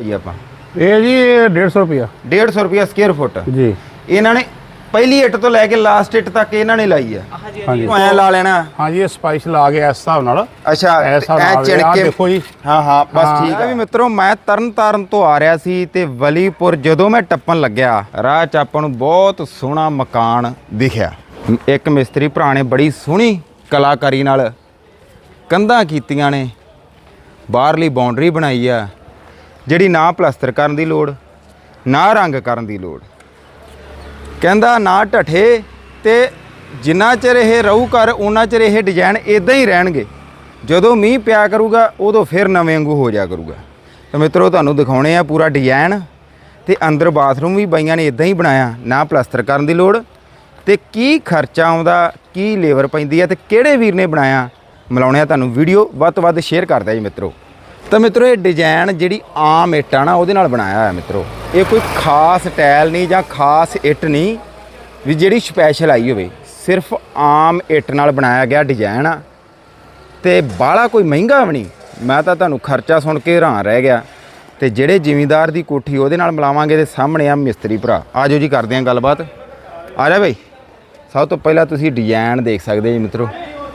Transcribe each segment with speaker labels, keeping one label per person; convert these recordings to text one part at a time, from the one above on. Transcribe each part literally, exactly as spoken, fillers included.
Speaker 1: ਜੀ ਆਪਾਂ?
Speaker 2: ਇਹ ਜੀ डेढ़ सौ रुपया
Speaker 1: डेढ़ सौ रुपया ਸਕੁਅਰ ਫੁੱਟ
Speaker 2: ਜੀ।
Speaker 1: ਇਹਨਾਂ ਨੇ ਪਹਿਲੀ ਇੱਟ ਤੋਂ ਲੈ ਕੇ ਲਾਸਟ ਇੱਟ ਤੱਕ ਇਹਨਾਂ ਨੇ ਲਾਈ ਆ।
Speaker 2: ਹਾਂਜੀ
Speaker 1: ਐ ਲਾ ਲੈਣਾ।
Speaker 2: हाँ जी, ये स्पाइस ला के इस हिसाब नाल।
Speaker 1: ਅੱਛਾ ਐ ਚਿਣ ਕੇ
Speaker 2: देखो जी।
Speaker 1: ਹਾਂ ਹਾਂ ਬਸ ਠੀਕ ਹੈ ਵੀ ਮਿੱਤਰੋ। ਮੈਂ ਤਰਨ ਤਾਰਨ ਤੋਂ ਆ ਰਿਹਾ ਸੀ ਤੇ ਵਲੀਪੁਰ ਜਦੋਂ ਮੈਂ ਟੱਪਣ ਲੱਗਿਆ ਰਾਹ 'ਚ ਆਪਾਂ ਨੂੰ ਬਹੁਤ ਸੋਹਣਾ ਮਕਾਨ ਦਿਖਿਆ। ਇੱਕ ਮਿਸਤਰੀ ਭਰਾ ਨੇ ਬੜੀ ਸੋਹਣੀ ਕਲਾਕਾਰੀ ਨਾਲ ਕੰਧਾਂ ਕੀਤੀਆਂ ਨੇ, ਬਾਹਰਲੀ ਬਾਉਂਡਰੀ ਬਣਾਈ ਆ ਜਿਹੜੀ ਨਾ ਪਲਸਤਰ ਕਰਨ ਦੀ ਲੋੜ ਨਾ ਰੰਗ ਕਰਨ ਦੀ ਲੋੜ। ਕਹਿੰਦਾ ਨਾ ਢੱਠੇ ਤੇ ਜਿੰਨਾ ਚਿਰ ਇਹ ਰਹੂ ਕਰ ਉਹਨਾਂ ਚਿਰ ਇਹ ਡਿਜ਼ਾਈਨ ਇਦਾਂ ਹੀ ਰਹਿਣਗੇ। ਜਦੋਂ ਮੀਂਹ ਪਿਆ ਕਰੂਗਾ ਉਦੋਂ ਫਿਰ ਨਵੇਂ ਵਾਂਗੂ ਹੋ ਜਾ ਕਰੂਗਾ। ਤਾਂ ਮਿੱਤਰੋ ਤੁਹਾਨੂੰ ਦਿਖਾਉਣੇ ਆ ਪੂਰਾ ਡਿਜ਼ਾਈਨ ਤੇ ਅੰਦਰ ਬਾਥਰੂਮ ਵੀ ਬਾਈਆਂ ਨੇ ਇਦਾਂ ਹੀ ਬਣਾਇਆ, ਨਾ ਪਲਸਤਰ ਕਰਨ ਦੀ ਲੋੜ। ਤੇ ਕੀ ਖਰਚਾ ਆਉਂਦਾ, ਕੀ ਲੇਬਰ ਪੈਂਦੀ ਆ ਤੇ ਕਿਹੜੇ ਵੀਰ ਨੇ ਬਣਾਇਆ, ਮਿਲਾਉਣੇ ਆ ਤੁਹਾਨੂੰ। ਵੀਡੀਓ ਵੱਧ ਤੋਂ ਵੱਧ ਸ਼ੇਅਰ ਕਰਦਾ ਜੀ ਮਿੱਤਰੋ। ਤਾਂ ਮਿੱਤਰੋ ਇਹ ਡਿਜ਼ਾਈਨ ਜਿਹੜੀ ਆਮ ਇੱਟ ਆ ਨਾ ਉਹਦੇ ਨਾਲ ਬਣਾਇਆ ਹੋਇਆ ਮਿੱਤਰੋ। ਇਹ ਕੋਈ ਖਾਸ ਟਾਇਲ ਨਹੀਂ ਜਾਂ ਖਾਸ ਇੱਟ ਨਹੀਂ ਵੀ ਜਿਹੜੀ ਸਪੈਸ਼ਲ ਆਈ ਹੋਵੇ, ਸਿਰਫ ਆਮ ਇੱਟ ਨਾਲ ਬਣਾਇਆ ਗਿਆ ਡਿਜ਼ਾਈਨ ਆ ਤੇ ਬਾਹਲਾ ਕੋਈ ਮਹਿੰਗਾ ਵੀ ਨਹੀਂ। ਮੈਂ ਤਾਂ ਤੁਹਾਨੂੰ ਖਰਚਾ ਸੁਣ ਕੇ ਹੈਰਾਨ ਰਹਿ ਗਿਆ। ਤੇ ਜਿਹੜੇ ਜ਼ਿਮੀਂਦਾਰ ਦੀ ਕੋਠੀ ਉਹਦੇ ਨਾਲ ਮਿਲਾਵਾਂਗੇ ਤੇ ਸਾਹਮਣੇ ਆ ਮਿਸਤਰੀ ਭਰਾ। ਆਜੋ ਜੀ ਕਰਦੇ ਆਂ ਗੱਲਬਾਤ। ਆ ਜਾ ਬਈ। ਸਭ ਤੋਂ ਪਹਿਲਾਂ ਤੁਸੀਂ ਡਿਜ਼ਾਈਨ ਦੇਖ ਸਕਦੇ ਜੀ ਮਿੱਤਰੋ।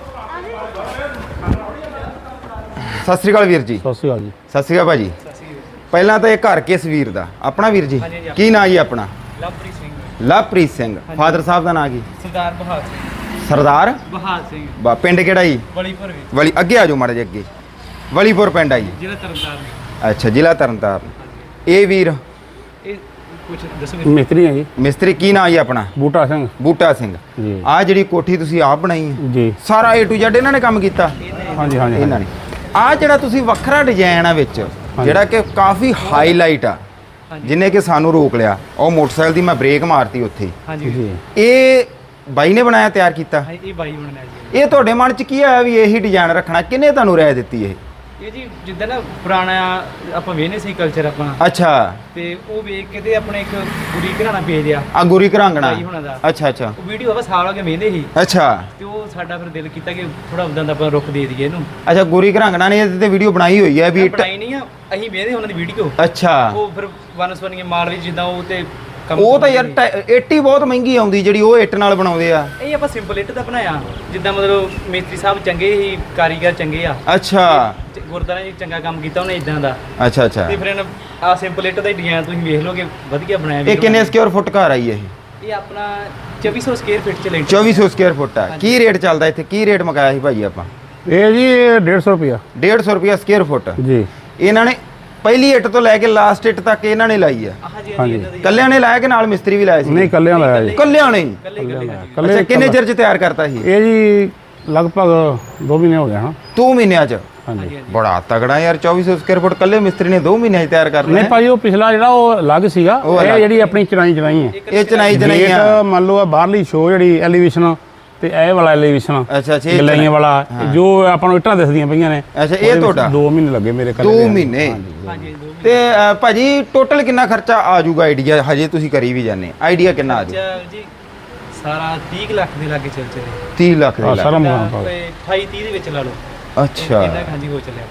Speaker 1: ਸਤਿ ਸ਼੍ਰੀ ਅਕਾਲ ਵੀਰ ਜੀ।
Speaker 2: सत श्री अकाल जी।
Speaker 1: ਸਤਿ ਸ਼੍ਰੀ ਅਕਾਲ ਭਾਜੀ। ਪਹਿਲਾਂ ਤਾਂ ਇਹ ਘਰ ਕਿਸ ਵੀਰ ਦਾ? ਆਪਣਾ ਵੀਰ ਜੀ। ਕੀ ਨਾਂ ਜੀ ਆਪਣਾ?
Speaker 3: ਲਵਪ੍ਰੀਤ ਸਿੰਘ।
Speaker 1: ਲਵਪ੍ਰੀਤ ਸਿੰਘ। ਫਾਦਰ ਸਾਹਿਬ ਦਾ ਨਾਂ ਕੀ?
Speaker 3: ਸਰਦਾਰ ਬਹਾਲ ਸਿੰਘ।
Speaker 1: ਸਰਦਾਰ
Speaker 3: ਬਹਾਲ ਸਿੰਘ।
Speaker 1: ਬਾ ਪਿੰਡ ਕਿਹੜਾ ਜੀ?
Speaker 3: ਵਲੀਪੁਰ ਵਿੱਚ।
Speaker 1: ਵਲੀ ਅੱਗੇ ਆ ਜਾਓ ਮਾੜੇ ਜਿਹੇ ਅੱਗੇ। ਵਲੀਪੁਰ ਪਿੰਡ ਆ ਜੀ।
Speaker 3: ਜ਼ਿਲ੍ਹਾ ਤਰਨਤਾਰਨ।
Speaker 1: ਅੱਛਾ, ਜ਼ਿਲ੍ਹਾ ਤਰਨਤਾਰਨ। ਇਹ ਵੀਰ
Speaker 3: ਇਹ ਕੁਝ ਦੱਸੋ।
Speaker 2: मिस्त्री है जी।
Speaker 1: ਮਿਸਤਰੀ ਕੀ ਨਾਂ ਜੀ ਆਪਣਾ?
Speaker 2: बूटा सिंह
Speaker 1: ਬੂਟਾ ਸਿੰਘ।
Speaker 2: जी।
Speaker 1: ਆ ਜਿਹੜੀ ਕੋਠੀ ਤੁਸੀਂ ਆਪ ਬਣਾਈ ਹੈ
Speaker 2: जी।
Speaker 1: ਸਾਰਾ ਏ ਟੂ ਜ਼ੈਡ ਇਹਨਾਂ ਨੇ ਕੰਮ ਕੀਤਾ?
Speaker 2: हाँ जी हाँ जी।
Speaker 1: ਇਹਨਾਂ ਨੇ। ਆ ਜਿਹੜਾ ਤੁਸੀਂ ਵੱਖਰਾ ਡਿਜ਼ਾਈਨ ਆ ਵਿੱਚ ਜਿਹੜਾ ਕਿ ਕਾਫੀ ਹਾਈਲਾਈਟ ਆ ਜਿਹਨੇ ਕਿ ਸਾਨੂੰ ਰੋਕ ਲਿਆ, ਉਹ ਮੋਟਰਸਾਈਕਲ ਦੀ ਮੈਂ ਬ੍ਰੇਕ ਮਾਰਤੀ ਉੱਥੇ।
Speaker 3: ਹਾਂਜੀ
Speaker 2: जी।
Speaker 1: ਇਹ ਬਾਈ ਨੇ ਬਣਾਇਆ, ਤਿਆਰ ਕੀਤਾ?
Speaker 3: ਹਾਂ, ਇਹ ਬਾਈ ਬਣਾਇਆ ਜੀ।
Speaker 1: ਇਹ ਤੁਹਾਡੇ ਮਨ 'ਚ ਕੀ ਆਇਆ ਵੀ ਇਹੀ ਡਿਜ਼ਾਈਨ ਰੱਖਣਾ? ਕਿਹਨੇ ਤੁਹਾਨੂੰ ਰਾਏ ਦਿੱਤੀ ਇਹ?
Speaker 3: ਇਹ ਜੀ ਜਿੱਦਾਂ ਨਾ ਪੁਰਾਣਾ ਆਪਾਂ ਵੇਖਨੇ ਸੀ ਕਲਚਰ ਆਪਣਾ,
Speaker 1: ਅੱਛਾ।
Speaker 3: ਤੇ ਉਹ ਵੇਖ ਕੇ ਤੇ ਆਪਣੇ ਇੱਕ ਗੁਰੀ ਘਰਾਣਾ ਪੇਜ ਆ
Speaker 1: ਆ ਗੁਰੀ ਘਰਾਂਗਣਾ।
Speaker 3: ਬਾਈ ਹੋਣਾ ਦਾ।
Speaker 1: ਅੱਛਾ ਅੱਛਾ
Speaker 3: ਉਹ ਵੀਡੀਓ ਆਪਾਂ ਸਾਲ ਹੋ ਕੇ ਵੇਖਦੇ ਸੀ
Speaker 1: ਅੱਛਾ
Speaker 3: ਤੇ ਉਹ ਸਾਡਾ ਫਿਰ ਦਿਲ ਕੀਤਾ ਕਿ ਥੋੜਾ ਉਦਾਂ ਦਾ ਆਪਾਂ ਰੁੱਖ ਦੇ ਦਈਏ ਇਹਨੂੰ।
Speaker 1: ਅੱਛਾ ਗੁਰੀ ਘਰਾਂਗਣਾ ਨੇ ਇਹਦੇ ਤੇ ਵੀਡੀਓ ਬਣਾਈ ਹੋਈ ਹੈ ਵੀ?
Speaker 3: ਬਣਾਈ ਨਹੀਂ ਆ, ਅਸੀਂ ਵੇਖਦੇ ਉਹਨਾਂ ਦੀ ਵੀਡੀਓ।
Speaker 1: ਅੱਛਾ।
Speaker 3: ਉਹ ਫਿਰ ਵਨਸਵਨੀਆਂ ਮਾਲ ਵਿੱਚ ਜਿੱਦਾਂ ਉਹ ਤੇ
Speaker 1: ਉਹ ਤਾਂ ਯਾਰ ਇੱਟ ਹੀ ਬਹੁਤ ਮਹਿੰਗੀ ਆਉਂਦੀ ਜਿਹੜੀ ਉਹ ਇੱਟ ਨਾਲ ਬਣਾਉਂਦੇ ਆ।
Speaker 3: ਇਹ ਆਪਾਂ ਸਿੰਪਲ ਇੱਟ ਦਾ ਬਣਾਇਆ, ਜਿੱਦਾਂ ਮਤਲਬ ਮੇਸਤਰੀ ਸਾਹਿਬ ਚੰਗੇ ਹੀ, ਕਾਰੀਗਰ ਚੰਗੇ ਆ।
Speaker 1: ਅੱਛਾ।
Speaker 3: ਗੁਰਦਾਰੇ ਚ ਚੰਗਾ ਕੰਮ ਕੀਤਾ ਉਹਨੇ ਇਦਾਂ ਦਾ।
Speaker 1: ਅੱਛਾ ਅੱਛਾ।
Speaker 3: ਤੇ ਫਿਰ ਇਹਨਾਂ ਆ ਸਿੰਪਲ ਇੱਟ ਦਾ ਡਿਜ਼ਾਈਨ ਤੁਸੀਂ ਵੇਖ ਲਓਗੇ, ਵਧੀਆ ਬਣਾਇਆ।
Speaker 1: ਇਹ ਕਿੰਨੇ ਸਕੁਅਰ ਫੁੱਟ ਘਰ ਆਈ ਇਹ?
Speaker 3: ਇਹ ਆਪਣਾ ਚੌਵੀ ਸੌ ਸਕੁਅਰ ਫੀਟ ਚ ਲੈਂਟਰ।
Speaker 1: ਚੌਵੀ ਸੌ ਸਕੁਅਰ ਫੁੱਟ ਆ। ਕੀ ਰੇਟ ਚੱਲਦਾ ਇੱਥੇ? ਕੀ ਰੇਟ ਮਕਾਇਆ ਸੀ ਭਾਜੀ ਆਪਾਂ?
Speaker 2: ये जी डेढ़ सौ रुपया
Speaker 1: डेढ़ सौ रुपया ਸਕੁਅਰ ਫੁੱਟ।
Speaker 2: जी।
Speaker 1: ਇਹਨਾਂ ਨੇ ਪਹਿਲੀ ਇੱਟ ਤੋਂ ਲੈ ਕੇ ਲਾਸਟ ਇੱਟ ਤੱਕ ਇਹਨਾਂ ਨੇ ਲਾਈ ਆ?
Speaker 3: ਹਾਂਜੀ
Speaker 2: ਹਾਂਜੀ।
Speaker 3: ਹਾਂਜੀ।
Speaker 1: ਕੱਲਿਆਂ ਨੇ ਲਾਇਆ ਕਿ ਨਾਲ ਮਿਸਤਰੀ ਵੀ ਲਾਇਆ ਸੀ?
Speaker 2: नहीं कल्याण लाया जी।
Speaker 1: ਕੱਲਿਆਂ ਨੇ ਹੀ?
Speaker 3: ਕੱਲੇ ਕੱਲੇ ਹਾਂਜੀ।
Speaker 2: कल्ले
Speaker 1: ਅੱਛਾ, ਕਿੰਨੇ ਚਿਰ ਚ ਤਿਆਰ ਕਰਤਾ ਸੀ?
Speaker 2: ये जी लगभग दो महीने हो गए हाँ।
Speaker 1: ਦੋ ਮਹੀਨਿਆਂ ਚ?
Speaker 2: हाँ जी।
Speaker 1: ਬੜਾ ਤਗੜਾ ਯਾਰ। ਚੌਵੀ ਸੌ ਸਕੁਅਰ ਫੁੱਟ ਕੱਲੇ ਮਿਸਤਰੀ ਨੇ ਦੋ ਮਹੀਨਿਆਂ ਚ ਤਿਆਰ ਕਰ ਲਿਆ।
Speaker 2: नहीं भाई वो पिछला ਜਿਹੜਾ ਉਹ ਅਲੱਗ ਸੀਗਾ,
Speaker 1: ਉਹ
Speaker 2: ਇਹ
Speaker 1: ਅਲੱਗ।
Speaker 2: ਜਿਹੜੀ ਆਪਣੀ ਚਣਾਈ ਚਣਾਈ ਹੈ।
Speaker 1: ਇਹ ਚਨਾਈ ਚਨਾਈਆਂ।
Speaker 2: ਗੇਟ ਮੰਨ ਲਓ ਆ ਬਾਹਰਲੀ ਸ਼ੋ ਜਿਹੜੀ ਐਲੀਵੇਸ਼ਨ ਤੇ ਇਹ ਵਾਲਾ ਐਲੀਵੇਸ਼ਨ
Speaker 1: ਅੱਛਾ ਅੱਛਾ। ਇਹ
Speaker 2: ਗਲਾਈਆਂ
Speaker 1: ਚਨਾਈ-
Speaker 2: ਵਾਲਾ ਜੋ ਆਪਾਂ ਨੂੰ ਇੱਟਾਂ ਦਿਸਦੀਆਂ ਪਈਆਂ ਨੇ।
Speaker 1: ਅੱਛਾ, ਇਹ ਤੁਹਾਡਾ?
Speaker 2: ਦੋ ਮਹੀਨੇ ਲੱਗੇ ਮੇਰੇ ਕੱਲੇ
Speaker 1: ਦੋ ਮਹੀਨੇ।
Speaker 3: ਹਾਂਜੀ ਦੋ
Speaker 1: ਤੇ ਅ, ਭਾਜੀ ਟੋਟਲ ਕਿੰਨਾ ਖਰਚਾ ਆ ਜਾਊਗਾ ਆਈਡੀਆ? ਹਜੇ ਤੁਸੀਂ ਕਰੀ ਵੀ ਜਾਂਦੇ, ਆਈਡੀਆ ਕਿੰਨਾ ਆ ਜਾਊ?
Speaker 3: ਅੱਛਾ ਜੀ, ਸਾਰਾ ਤੀਹ ਕੁ ਲੱਖ ਦੇ ਲਾਗੇ ਚੱਲ ਚੱਲੇ।
Speaker 1: ਤੀਹ ਲੱਖ ਦੇ
Speaker 2: ਹਾਂ,
Speaker 1: ਲੱਗ।
Speaker 2: ਸਾਰਾ ਮਕਾਨ ਪਾ
Speaker 3: ਅਠਾਈ ਤੀਹ ਦੇ ਵਿੱਚ ਲਾ ਲਓ।
Speaker 1: ਅੱਛਾ।
Speaker 3: ਇੰਨਾ ਕੁ ਹਾਂਜੀ ਹੋ ਚੱਲਿਆ।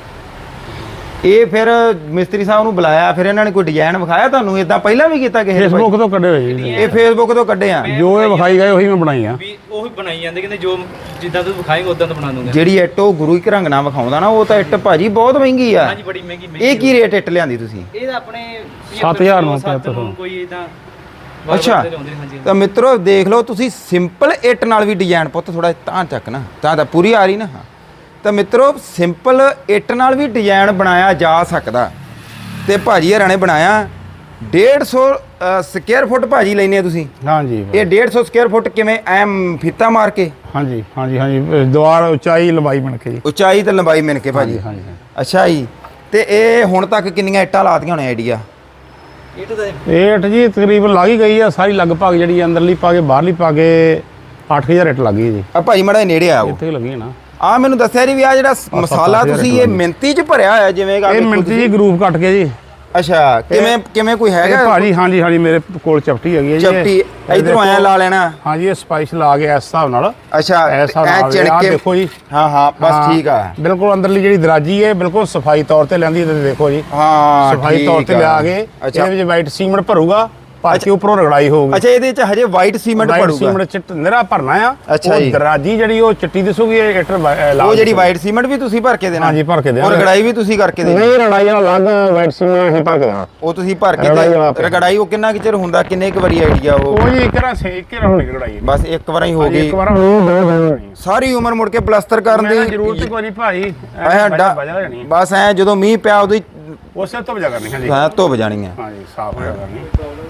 Speaker 1: ਇਹ ਫਿਰ ਮਿਸਤਰੀ ਸਾਹਿਬ ਨੂੰ ਬੁਲਾਇਆ, ਫਿਰ ਇਹਨਾਂ ਨੇ ਕੋਈ ਡਿਜ਼ਾਈਨ ਵਿਖਾਇਆ ਤੁਹਾਨੂੰ? ਇਦਾਂ ਪਹਿਲਾਂ ਵੀ ਕੀਤਾ ਕਿਸੇ ਨੇ?
Speaker 2: ਫੇਸਬੁੱਕ ਤੋਂ ਕੱਢੇ ਹੋਏ ਜੀ।
Speaker 1: ਇਹ ਫੇਸਬੁੱਕ ਤੋਂ ਕੱਢੇ ਆ?
Speaker 2: ਜੋ ਇਹ ਵਿਖਾਈ ਗਏ ਉਹੀ ਮੈਂ ਬਣਾਈ ਆ।
Speaker 3: ਵੀ ਉਹੀ ਬਣਾਈ ਜਾਂਦੇ, ਕਹਿੰਦੇ ਜੋ ਜਿੱਦਾਂ ਤੂੰ ਵਿਖਾਏਂਗਾ ਉਦਾਂ ਤਾਂ ਬਣਾ ਦੂੰਗਾ।
Speaker 1: ਜਿਹੜੀ ਇੱਟ ਉਹ ਗੁਰੂ ਘਰੰਗ ਨਾਲ ਵਿਖਾਉਂਦਾ ਨਾ, ਉਹ ਤਾਂ ਇੱਟ ਭਾਜੀ ਬਹੁਤ ਮਹਿੰਗੀ ਆ।
Speaker 3: ਹਾਂਜੀ ਬੜੀ ਮਹਿੰਗੀ ਮਹਿੰਗੀ।
Speaker 1: ਇਹ ਕੀ ਰੇਟ ਇੱਟ ਲਿਆਂਦੀ ਤੁਸੀਂ?
Speaker 3: ਇਹ ਤਾਂ ਆਪਣੇ
Speaker 2: ਸੱਤ ਹਜ਼ਾਰ ਨੂੰ,
Speaker 3: ਸੱਤ ਨੂੰ ਕੋਈ ਇਦਾਂ।
Speaker 1: ਅੱਛਾ। ਤਾਂ ਮਿੱਤਰੋ ਦੇਖ ਲਓ ਤੁਸੀਂ, ਸਿੰਪਲ ਇੱਟ ਨਾਲ ਵੀ ਡਿਜ਼ਾਈਨ ਪੁੱਤ ਥੋੜਾ ਤਾਂ ਚੱਕ ਨਾ, ਤਾਂ ਤਾਂ ਪੂਰੀ ਆ ਰਹੀ ਨਾ। ਤਾਂ ਮਿੱਤਰੋ ਸਿੰਪਲ ਇੱਟ ਨਾਲ ਵੀ ਡਿਜ਼ਾਈਨ ਬਣਾਇਆ ਜਾ ਸਕਦਾ ਤੇ ਭਾਜੀ ਹਰਾਂ ਨੇ ਬਣਾਇਆ। डेढ़ सौ ਸਕੁਅਰ ਫੁੱਟ ਭਾਜੀ ਲੈਨੇ ਆ ਤੁਸੀਂ?
Speaker 2: हाँ जी।
Speaker 1: ਇਹ डेढ़ सौ ਸਕੁਅਰ ਫੁੱਟ ਕਿਵੇਂ ਐਮ ਫੀਤਾ ਮਾਰ ਕੇ?
Speaker 2: हाँ जी हाँ जी हाँ जी। ਦੀਵਾਰ ਉਚਾਈ ਲੰਬਾਈ ਬਣ ਕੇ ਜੀ।
Speaker 1: ਉਚਾਈ ਤੇ ਲੰਬਾਈ ਮਿਣ ਕੇ ਭਾਜੀ?
Speaker 2: हाँ जी।
Speaker 1: ਅੱਛਾ ਜੀ। ਤੇ ਇਹ ਹੁਣ ਤੱਕ ਕਿੰਨੀਆਂ ਇੱਟਾਂ ਲਾਤੀਆਂ ਹੋਣੇ ਆਈਡੀਆ?
Speaker 3: ਇਹ ਤਾਂ
Speaker 2: ਇਹ ਇੱਟ ਜੀ ਤਕਰੀਬਨ ਲੱਗ ਹੀ ਗਈ ਆ ਸਾਰੀ, ਲਗਭਗ ਜਿਹੜੀ ਅੰਦਰਲੀ ਪਾ ਕੇ ਬਾਹਰਲੀ ਪਾ ਕੇ ਅੱਠ ਹਜ਼ਾਰ ਇੱਟ ਲੱਗ ਗਈ ਜੀ।
Speaker 1: ਆ ਭਾਜੀ ਮਾੜਾ ਨੇੜੇ ਆਓ।
Speaker 2: ਇੱਥੇ ਲੱਗੀ ਨਾ।
Speaker 1: ਆ ਮੈਨੂੰ ਦੱਸਿਆ ਨਹੀਂ ਵੀ ਆ ਜਿਹੜਾ ਮਸਾਲਾ ਤੁਸੀਂ ਇਹ ਮਿੰਤੀ ਚ ਭਰਿਆ ਹੋਇਆ ਜਿਵੇਂ
Speaker 2: ਇਹ ਮਿੰਟ ਜੀ ਗਰੂਪ ਕੱਟ ਕੇ ਜੀ।
Speaker 1: ਅੱਛਾ ਕਿਵੇਂ ਕਿਵੇਂ ਕੋਈ
Speaker 2: ਇਹ
Speaker 1: ਹੈਗਾ
Speaker 2: ਭਾਜੀ ਹਾਂਜੀ ਹਾਂਜੀ ਮੇਰੇ ਕੋਲ ਚਪਟੀ ਹੈਗੀ ਹੈ ਜੀ
Speaker 1: ਚਪਟੀ
Speaker 2: ਇਹ
Speaker 1: ਇਧਰੋਂ ਆਇਆ
Speaker 2: ਦੇਖੋ,
Speaker 1: ਲਾ ਲੈਣਾ
Speaker 2: ਹਾਂਜੀ ਇਹ ਸਪਾਈਸ ਲਾ ਕੇ ਇਸ ਹਿਸਾਬ ਨਾਲ
Speaker 1: ਅੱਛਾ
Speaker 2: ਇਸ ਹਿਸਾਬ
Speaker 1: ਐ
Speaker 2: ਨਾਲ
Speaker 1: ਚਿਣ
Speaker 2: ਆਹ
Speaker 1: ਕੇ
Speaker 2: ਦੇਖੋ ਜੀ
Speaker 1: ਹਾਂ ਹਾਂ ਬਸ
Speaker 2: ਹਾਂ,
Speaker 1: ਠੀਕ ਆ
Speaker 2: ਬਿਲਕੁਲ ਅੰਦਰਲੀ ਜਿਹੜੀ ਦਰਾਜੀ ਹੈ ਬਿਲਕੁਲ ਸਫਾਈ ਤੌਰ ਤੇ ਲੈਂਦੀ ਹੈ ਦੇਖੋ ਜੀ
Speaker 1: ਹਾਂ
Speaker 2: ਸਫਾਈ ਤੌਰ ਤੇ
Speaker 1: ਠੀਕ ਆ।
Speaker 2: ਲਿਆ ਕੇ
Speaker 1: ਅੱਛਾ
Speaker 2: ਇਹਦੇ ਵਿੱਚ ਵਾਈਟ ਸੀਮੈਂਟ ਭਰੂਗਾ ਭਰ ਕੇ ਉੱਪਰੋਂ ਰਗੜਾਈ ਹੋਊਗੀ
Speaker 1: ਅੱਛਾ ਇਹਦੇ ਚ ਹਜੇ ਵਾਈਟ ਸੀਮੈਂਟ
Speaker 2: ਵਾਈਟ
Speaker 1: ਪੜੂਗਾ
Speaker 2: ਸੀਮੈਂਟ ਚਿੱਟ ਨਿਰਾ ਭਰਨਾ ਆ
Speaker 1: ਅੱਛਾ
Speaker 2: ਉਹ
Speaker 1: ਜੀ।
Speaker 2: ਦਰਾਜੀ ਜਿਹੜੀ ਉਹ ਚਿੱਟੀ ਦਿਸੂਗੀ ਇਹ ਇੱਟਰ ਲਾਲ
Speaker 1: ਉਹ ਜਿਹੜੀ
Speaker 2: ਦਿਸੂਗੀ।
Speaker 1: ਵਾਈਟ ਸੀਮੈਂਟ ਵੀ ਤੁਸੀਂ ਭਰ ਕੇ ਦੇਣਾ
Speaker 2: ਹਾਂਜੀ ਭਰ ਕੇ ਦੇਣਾ
Speaker 1: ਔਰ ਰਗੜਾਈ ਵੀ ਤੁਸੀਂ ਕਰਕੇ ਦੇਣੀ
Speaker 2: ਨਹੀਂ ਰਗੜਾਈ ਨਾਲ ਅਲੱਗ ਵਾਈਟ ਸੀਮੈਂਟ ਹੀ ਭਰ ਕੇ ਦੇਣਾ
Speaker 1: ਉਹ ਤੁਸੀਂ ਭਰ ਕੇ
Speaker 2: ਰਗੜਾਈ
Speaker 1: ਤੇ
Speaker 2: ਵਾਲਾ ਆਪੇ।
Speaker 1: ਰਗੜਾਈ ਉਹ ਕਿੰਨਾ ਕੁ ਚਿਰ ਹੁੰਦਾ ਕਿੰਨੇ ਕੁ ਵਾਰੀ ਆਈਡੀਆ ਉਹ
Speaker 2: ਉਹ ਜੀ ਇੱਕ ਰਾਂ ਸੇ ਇੱਕ ਰਾਂ ਹੋਣੀ ਰਗੜਾਈ
Speaker 1: ਬਸ ਇੱਕ ਵਾਰ ਹੀ ਹੋ
Speaker 2: ਹਾਂਜੀ,
Speaker 1: ਗਈ
Speaker 2: ਇੱਕ ਵਾਰ ਹੋਣੀ
Speaker 1: ਸਾਰੀ ਉਮਰ ਮੁੜ ਕੇ ਪਲਸਤਰ ਕਰਨ
Speaker 2: ਦੀ
Speaker 1: ਦੀ
Speaker 2: ਜ਼ਰੂਰਤ ਕੋਈ ਨਹੀਂ ਭਾਈ
Speaker 1: ਐ ਡਾ-
Speaker 2: ਵਜਾ ਜਾਣੀ
Speaker 1: ਬਸ ਐ ਜਦੋਂ ਮੀਂਹ ਪਿਆ ਉਦੋਂ ਹੀ
Speaker 2: ਉਸੇ ਤੋਂ ਵਜਾ ਕਰਨੀ ਹਾਂਜੀ
Speaker 1: ਹਾਂ, ਧੁੱਪ ਜਾਣੀ ਹੈ
Speaker 2: ਹਾਂਜੀ ਸਾਫ਼ ਹੋ ਕਰਨੀ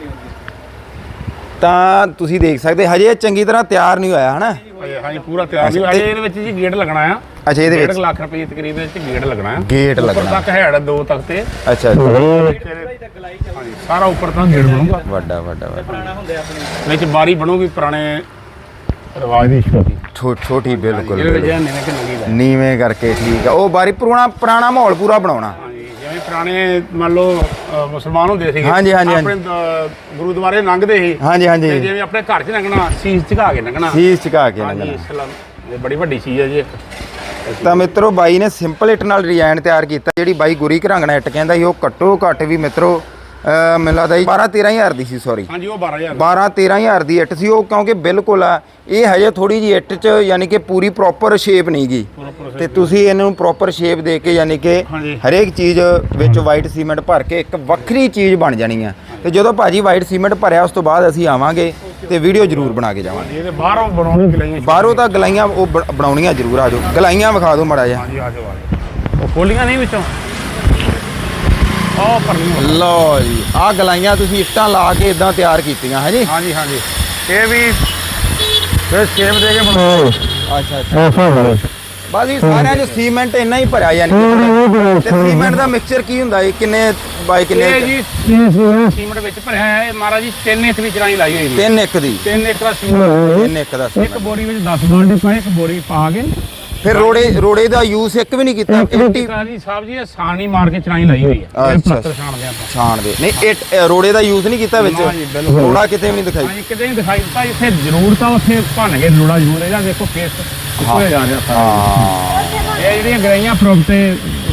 Speaker 1: ਤਾਂ ਤੁਸੀਂ ਦੇਖ ਸਕਦੇ ਹਜੇ ਇਹ ਚੰਗੀ ਤਰ੍ਹਾਂ ਤਿਆਰ ਨਹੀਂ ਹੋਇਆ ਹਨਾ
Speaker 2: ਹਾਂਜੀ ਪੂਰਾ ਤਿਆਰ ਨਹੀਂ ਹੋਇਆ ਇਹਦੇ ਵਿੱਚ ਜੀ ਗੇਟ ਲੱਗਣਾ ਆ
Speaker 1: ਅੱਛਾ ਇਹਦੇ
Speaker 2: ਡੇਢ
Speaker 1: ਵਿੱਚ
Speaker 2: ਲੱਖ ਰੁਪਏ ਤਕਰੀਬ ਵਿੱਚ ਗੇਟ ਲੱਗਣਾ ਆ
Speaker 1: ਗੇਟ
Speaker 2: ਉੱਪਰ
Speaker 1: ਲੱਗਣਾ
Speaker 2: ਤੱਕ ਹੈੜ ਦੋ ਤੱਕ ਤੇ
Speaker 1: ਅੱਛਾ ਅੱਛਾ।
Speaker 2: ਹਾਂਜੀ ਸਾਰਾ ਉੱਪਰ ਤੱਕ ਗੇਟ ਬਣੂਗਾ
Speaker 1: ਵੱਡਾ ਵੱਡਾ ਵੱਡਾ
Speaker 3: ਪੁਰਾਣਾ ਹੁੰਦੇ ਆਪਣੇ
Speaker 2: ਵਿੱਚ ਬਾਰੀ ਬਣੂਗੀ ਪੁਰਾਣੇ ਰਿਵਾਜ ਦੀ ਛੋਟੀ
Speaker 1: ਛੋ- ਛੋਟੀ ਬਿਲਕੁਲ
Speaker 2: ਇਹਦੇ ਵਿੱਚ
Speaker 1: ਬਿਲਕੁਲ।
Speaker 2: ਨਿਵੇਂ ਕਿ ਨੰਗੀ ਦਾ
Speaker 1: ਨੀਵੇਂ ਕਰਕੇ ਠੀਕ ਆ ਉਹ ਬਾਰੀ ਪੁਰਾਣਾ ਪੁਰਾਣਾ ਮਾਹੌਲ ਪੂਰਾ ਬਣਾਉਣਾ
Speaker 2: ਹਾਂਜੀ ਜਿਵੇਂ ਪੁਰਾਣੇ ਮੰਨ ਲਓ ਅ, ਮੁਸਲਮਾਨ ਹੁੰਦੇ ਸੀਗੇ
Speaker 1: ਹਾਂਜੀ, ਹਾਂਜੀ,
Speaker 2: ਆਪਣੇ ਦ- ਗੁਰਦੁਆਰੇ ਲੰਘਦੇ ਸੀ
Speaker 1: ਹਾਂਜੀ
Speaker 2: ਤੇ
Speaker 1: ਹਾਂਜੀ
Speaker 2: ਜਿਵੇਂ ਆਪਣੇ ਘਰ 'ਚ ਲੰਘਣਾ ਸੀਸ ਝੁਕਾ ਕੇ ਲੰਘਣਾ
Speaker 1: ਸੀਸ ਝੁਕਾ ਕੇ
Speaker 2: ਹਾਂਜੀ
Speaker 1: ਲੰਘਣਾ
Speaker 2: ਇਸਲਾਮ ਇਹ ਬੜੀ ਵੱਡੀ ਚੀਜ਼ ਹੈ ਜੀ ਇੱਕ
Speaker 1: ਤਾਂ ਮਿੱਤਰੋ ਬਾਈ ਨੇ ਸਿੰਪਲ ਇੱਟ ਨਾਲ ਡਿਜ਼ਾਈਨ ਤਿਆਰ ਕੀਤਾ ਜਿਹੜੀ ਬਾਈ ਗੁਰੀ ਘਰਾਂਗਣਾ ਇੱਟ ਕਹਿੰਦਾ ਸੀ ਉਹ ਘੱਟੋ ਘੱਟ ਵੀ ਮਿੱਤਰੋ ਅਹ ਮੈਨੂੰ ਲੱਗਦਾ ਜੀ ਬਾਰਾਂ ਤੇਰਾਂ ਹਜ਼ਾਰ ਦੀ ਸੀ ਸੌਰੀ
Speaker 2: ਹਾਂਜੀ ਉਹ ਬਾਰਾਂ ਹਜ਼ਾਰ
Speaker 1: ਬਾਰਾਂ ਤੇਰਾਂ ਹਜ਼ਾਰ ਦੀ ਇੱਟ ਸੀ ਉਹ ਕਿਉਂਕਿ ਬਿਲਕੁਲ ਆ ਇਹ ਹਜੇ ਥੋੜੀ ਜੀ ਇੱਟ 'ਚ ਯਾਨੀ ਕਿ ਪੂਰੀ ਪ੍ਰੋਪਰ ਸ਼ੇਪ ਨਹੀਂ ਗਈ
Speaker 2: Proper
Speaker 1: ਤੇ ਤੁਸੀਂ ਇਹਨੂੰ ਪ੍ਰੋਪਰ ਸ਼ੇਪ ਦੇ ਕੇ ਯਾਨੀ ਕਿ
Speaker 2: ਹਾਂਜੀ।
Speaker 1: ਹਰੇਕ ਚੀਜ਼ ਵਿੱਚ ਵਾਈਟ ਸੀਮੈਂਟ ਭਰ ਕੇ ਇੱਕ ਵੱਖਰੀ ਚੀਜ਼ ਬਣ ਜਾਣੀ ਆ ਤੇ ਜਦੋਂ ਭਾਜੀ ਵਾਈਟ ਸੀਮੈਂਟ ਭਰਿਆ ਉਸ ਤੋਂ ਬਾਅਦ ਅਸੀਂ ਆਵਾਂਗੇ ਤੇ ਵੀਡੀਓ ਜ਼ਰੂਰ ਬਣਾ ਕੇ ਜਾਵਾਂਗੇ
Speaker 2: ਇਹਦੇ ਬਾਹਰੋਂ ਬਣਾਉਣੀ ਗਲਾਈਆਂ
Speaker 1: ਬਾਹਰੋਂ ਤਾਂ ਗਲਾਈਆਂ ਉਹ ਬ- ਬਣਾਉਣੀਆਂ ਜ਼ਰੂਰ ਆ ਜਾਓ ਗਲਾਈਆਂ ਵਿਖਾ ਦਿਓ ਮੜਾ ਜਿਹਾ
Speaker 2: ਹਾਂਜੀ ਆ ਜਾਓ ਆ ਜਾਓ ਉਹ ਖੋਲੀਆਂ ਨਹੀਂ ਵਿੱਚੋਂ ਉਹ ਪਰਲੀਆਂ
Speaker 1: ਲਓ ਜੀ ਆਹ ਗਲਾਈਆਂ ਤੁਸੀਂ ਇੱਟਾਂ ਲਾ ਕੇ ਇਦਾਂ ਤਿਆਰ ਕੀਤੀਆਂ ਹੈ ਜੀ
Speaker 2: ਹਾਂਜੀ ਹਾਂਜੀ ਇਹ ਵੀ ਫਿਰ ਸ਼ੇਪ ਦੇ ਕੇ ਬਣਾਓ
Speaker 1: ਅੱਛਾ ਅੱਛਾ ਬਸ ਇਹ ਸਾਰਿਆਂ 'ਚ ਸੀਮੈਂਟ ਇੰਨਾ ਹੀ ਭਰਿਆ ਯਾਨੀ ਕਿ ਤੇ ਸੀਮੈਂਟ ਦਾ ਮਿਕਸਚਰ ਕੀ ਹੁੰਦਾ ਇਹ ਕਿੰਨੇ ਬਾਈ ਕਿੰਨੇ
Speaker 2: ਇਹ ਜੀ ਸੀਮੈਂਟ ਵਿੱਚ ਭਰਿਆ ਹੈ ਇਹ ਮਹਾਰਾਜ ਜੀ ਤਿੰਨ ਇੰਚ ਦੀ ਚੜਾਈ ਲਾਈ ਹੋਈ ਹੈ
Speaker 1: ਤਿੰਨ ਇੱਕ ਦੀ
Speaker 2: ਤਿੰਨ ਇੰਚ ਦਾ ਸੀਮੈਂਟ
Speaker 1: ਤਿੰਨ ਇੱਕ ਦਾ
Speaker 2: ਇੱਕ
Speaker 1: ਸੀਮੈਂਟ
Speaker 2: ਬੋਰੀ ਵਿੱਚ ਦਸ ਬਾਲਟੀ ਪਾਏ ਇੱਕ ਬੋਰੀ ਪਾ ਕੇ
Speaker 1: ਫਿਰ ਰੋੜੇ ਰੋੜੇ ਦਾ ਯੂਜ਼ ਇੱਕ ਵੀ ਨਹੀਂ ਕੀਤਾ ਇੱਟੀ
Speaker 2: ਕਾਜੀ ਸਾਹਿਬ ਜੀ ਇਹ ਸਾਣੀ ਮਾਰ ਕੇ ਚੜਾਈ ਲਾਈ ਹੋਈ ਹੈ ਇਹ
Speaker 1: ਅੱਛਾ।
Speaker 2: ਪਲਸਤਰ ਛਾਣਦੇ ਆਪਾਂ
Speaker 1: ਛਾਣ ਦੇ ਨਹੀਂ ਇੱਟ ਇਹ ਰੋੜੇ ਦਾ ਯੂਜ਼ ਨਹੀਂ ਕੀਤਾ ਵਿੱਚ
Speaker 2: ਨਾ ਜੀ, ਬਿਲਕੁਲ।
Speaker 1: ਰੋੜਾ ਕਿਤੇ ਵੀ ਨਹੀਂ ਦਿਖਾਈ
Speaker 2: ਹਾਂਜੀ ਕਿਤੇ ਨਹੀਂ ਦਿਖਾਈ ਦਿੱਤਾ ਜਿੱਥੇ ਜ਼ਰੂਰਤ ਆ ਉੱਥੇ ਭੰਨ ਕੇ ਲੋੜਾ ਜ਼ਰੂਰ ਇਹਦਾ ਦੇਖੋ ਫੇਸ ਕਿੱਥੇ ਜਾ ਰਿਹਾ ਸਾਰਾ
Speaker 1: ਹਾਂ
Speaker 2: ਇਹ ਜਿਹੜੀਆਂ ਗਰਾਈਆਂ ਪ੍ਰੋਪ ਤੇ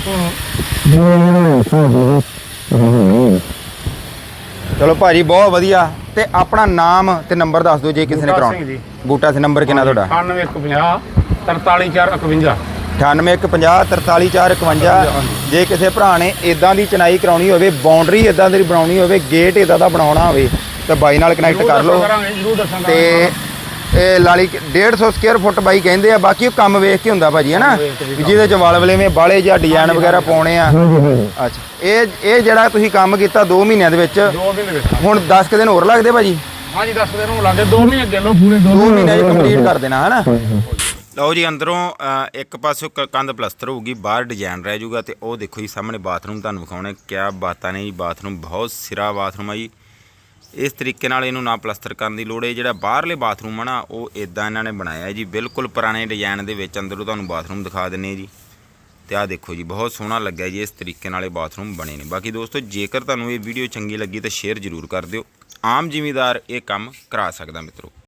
Speaker 1: ਚਲੋ ਭਾਜੀ ਬਹੁਤ ਵਧੀਆ ਤੇ ਆਪਣਾ ਨਾਮ ਤੇ ਨੰਬਰ ਦੱਸ ਦਿਓ ਜੇ ਕਿਸੇ ਨੇ
Speaker 2: ਬੂਟਾ
Speaker 1: ਕਰਾਉਣਾ
Speaker 2: ਸਿੰਘ ਜੀ।
Speaker 1: ਬੂਟਾ ਸਿੰਘ ਨੰਬਰ ਕਿੰਨਾ ਤੁਹਾਡਾ
Speaker 2: ਅਠਾਨਵੇਂ ਇੱਕ ਪੰਜਾਹ ਤਰਤਾਲੀ ਚਾਰ ਇਕਵੰਜਾ
Speaker 1: ਅਠਾਨਵੇਂ ਇੱਕ ਪੰਜਾਹ ਤਰਤਾਲੀ ਚਾਰ ਇਕਵੰਜਾ ਜੇ ਕਿਸੇ ਭਰਾ ਨੇ ਇਦਾਂ ਦੀ ਚਨਾਈ ਕਰਾਉਣੀ ਹੋਵੇ ਬਾਉਂਡਰੀ ਇਦਾਂ ਦੀ ਬਣਾਉਣੀ ਹੋਵੇ ਗੇਟ ਇਦਾਂ ਦਾ ਬਣਾਉਣਾ ਹੋਵੇ ਤਾਂ ਬਾਈ ਨਾਲ ਕਨੈਕਟ ਕਰ ਲਓ
Speaker 2: ਜ਼ਰੂਰ ਦੱਸਾਂਗਾ
Speaker 1: ਤੇ ਇਹ ਲਾਲੀ ਡੇਢ ਸੌ ਸਕੁਅਰ ਫੁੱਟ ਬਾਈ ਕਹਿੰਦੇ ਆ ਬਾਕੀ ਉਹ ਕੰਮ ਵੇਖ ਕੇ ਹੁੰਦਾ ਭਾਜੀ ਹੈ ਨਾ ਵੀ ਜਿਹਦੇ ਚ ਵਲ ਵਲੇਵੇਂ ਬਾਲੇ ਜਾਂ ਡਿਜ਼ਾਈਨ ਵਗੈਰਾ ਪਾਉਣੇ ਆ ਅੱਛਾ ਇਹ ਇਹ ਜਿਹੜਾ ਤੁਸੀਂ ਕੰਮ ਕੀਤਾ ਦੋ ਮਹੀਨਿਆਂ ਦੇ ਵਿੱਚ
Speaker 2: ਦੋ ਮਹੀਨੇ ਵਿੱਚ
Speaker 1: ਹੁਣ ਦਸ ਕੁ ਦਿਨ ਹੋਰ ਲੱਗਦੇ ਭਾਜੀ
Speaker 2: ਹਾਂਜੀ ਦੱਸ ਦਿਨ ਨੂੰ ਲਾਗੇ ਦੋ ਮਹੀਨੇ ਅੱਗੇ ਲੋ ਪੂਰੇ ਦੋ
Speaker 1: ਦੋ ਮਹੀਨੇ ਚ ਕੰਪਲੀਟ ਕਰ ਦੇਣਾ ਹੈ ਨਾ ਲਓ ਜੀ ਅੰਦਰੋਂ ਅ, ਇੱਕ ਪਾਸੇ ਕੰਧ ਪਲਸਤਰ ਹੋਊਗੀ ਬਾਹਰ ਡਿਜ਼ਾਈਨ ਰਹਿ ਜਾਊਗਾ ਤੇ ਉਹ ਦੇਖੋ ਜੀ ਸਾਹਮਣੇ ਬਾਥਰੂਮ ਤੁਹਾਨੂੰ ਵਿਖਾਉਣੇ ਕਿਆ ਬਾਤਾਂ ਨੇ ਜੀ ਬਾਥਰੂਮ ਬਹੁਤ ਸਿਰਾ ਬਾਥਰੂਮ ਆ ਜੀ ਇਸ ਤਰੀਕੇ ਨਾਲ ਇਹਨੂੰ ਨਾ ਪਲਸਤਰ ਕਰਨ ਦੀ ਲੋੜ ਹੈ ਜਿਹੜਾ ਬਾਹਰਲੇ ਬਾਥਰੂਮ ਆ ਨਾ ਉਹ ਇਦਾਂ ਇਹਨਾਂ ਨੇ ਬਣਾਇਆ ਜੀ ਬਿਲਕੁਲ ਪੁਰਾਣੇ ਡਿਜ਼ਾਈਨ ਦੇ ਵਿੱਚ ਅੰਦਰੋਂ ਤੁਹਾਨੂੰ ਬਾਥਰੂਮ ਦਿਖਾ ਦਿੰਨੇ ਜੀ ਤੇ ਆਹ ਦੇਖੋ ਜੀ ਬਹੁਤ ਸੋਹਣਾ ਲੱਗਿਆ ਜੀ ਇਸ ਤਰੀਕੇ ਨਾਲ ਇਹ ਬਾਥਰੂਮ ਬਣੇ ਨੇ ਬਾਕੀ ਦੋਸਤੋ ਜੇਕਰ ਤੁਹਾਨੂੰ ਇਹ ਵੀਡੀਓ ਚੰਗੀ ਲੱਗੀ ਤਾਂ ਸ਼ੇਅਰ ਜ਼ਰੂਰ ਕਰ ਦਿਓ ਆਮ ਜ਼ਿਮੀਦਾਰ ਇਹ ਕੰਮ ਕਰਾ ਸਕਦਾ ਮਿੱਤਰੋ।